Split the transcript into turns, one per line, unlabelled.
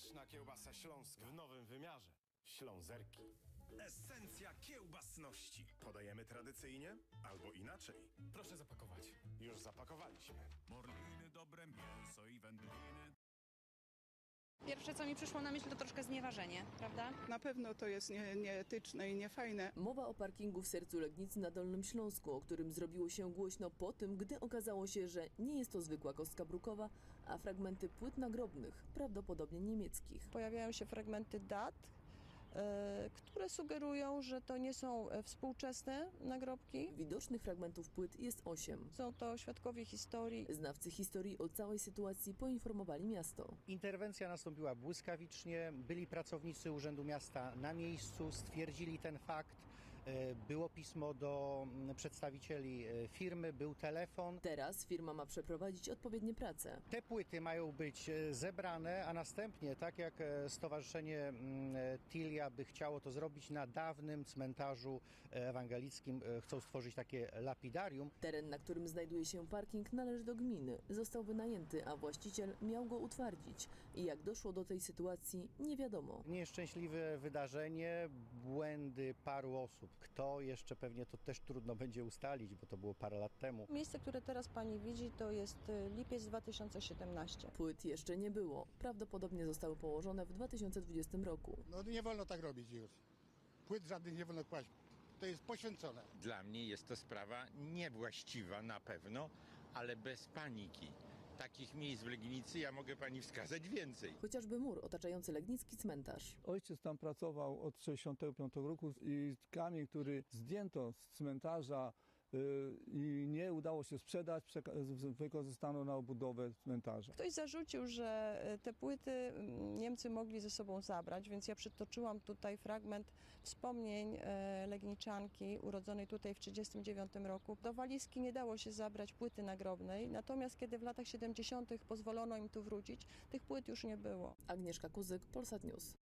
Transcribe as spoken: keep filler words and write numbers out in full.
Pyszna kiełbasa śląska w nowym wymiarze. Ślązerki.
Esencja kiełbasności. Podajemy tradycyjnie albo inaczej.
Proszę zapakować. Już zapakowaliśmy.
Morliny, dobre mięso i wędliny.
Pierwsze, co mi przyszło na myśl, to troszkę znieważenie, prawda?
Na pewno to jest nie, nieetyczne i niefajne.
Mowa o parkingu w sercu Legnicy na Dolnym Śląsku, o którym zrobiło się głośno po tym, gdy okazało się, że nie jest to zwykła kostka brukowa, a fragmenty płyt nagrobnych, prawdopodobnie niemieckich.
Pojawiają się fragmenty dat, e, które sugerują, że to nie są e, współczesne nagrobki.
Widocznych fragmentów płyt jest osiem.
Są to świadkowie historii.
Znawcy historii o całej sytuacji poinformowali miasto.
Interwencja nastąpiła błyskawicznie, byli pracownicy Urzędu Miasta na miejscu, stwierdzili ten fakt, było pismo do przedstawicieli firmy, był telefon.
Teraz firma ma przeprowadzić odpowiednie prace.
Te płyty mają być zebrane, a następnie, tak jak Stowarzyszenie Tilia by chciało to zrobić na dawnym cmentarzu ewangelickim, chcą stworzyć takie lapidarium.
Teren, na którym znajduje się parking, należy do gminy. Został wynajęty, a właściciel miał go utwardzić. I jak doszło do tej sytuacji, nie wiadomo.
Nieszczęśliwe wydarzenie, błędy paru osób. Kto jeszcze, pewnie to też trudno będzie ustalić, bo to było parę lat temu.
Miejsce, które teraz pani widzi, to jest lipiec dwa tysiące siedemnasty.
Płyt jeszcze nie było. Prawdopodobnie zostały położone w dwa tysiące dwudziestym roku.
No nie wolno tak robić już. Płyt żadnych nie wolno kłaść. To jest poświęcone.
Dla mnie jest to sprawa niewłaściwa na pewno, ale bez paniki. Takich miejsc w Legnicy ja mogę pani wskazać więcej.
Chociażby mur otaczający legnicki cmentarz.
Ojciec tam pracował od sześćdziesiątego piątego roku i kamień, który zdjęto z cmentarza yy, i nie udało się sprzedać, wykorzystano na obudowę cmentarza.
Ktoś zarzucił, że te płyty Niemcy mogli ze sobą zabrać, więc ja przytoczyłam tutaj fragment wspomnień Legniczanki urodzonej tutaj w tysiąc dziewięćset trzydziestym dziewiątym roku. Do walizki nie dało się zabrać płyty nagrobnej, natomiast kiedy w latach siedemdziesiątych pozwolono im tu wrócić, tych płyt już nie było.
Agnieszka Kuzyk, Polsat News.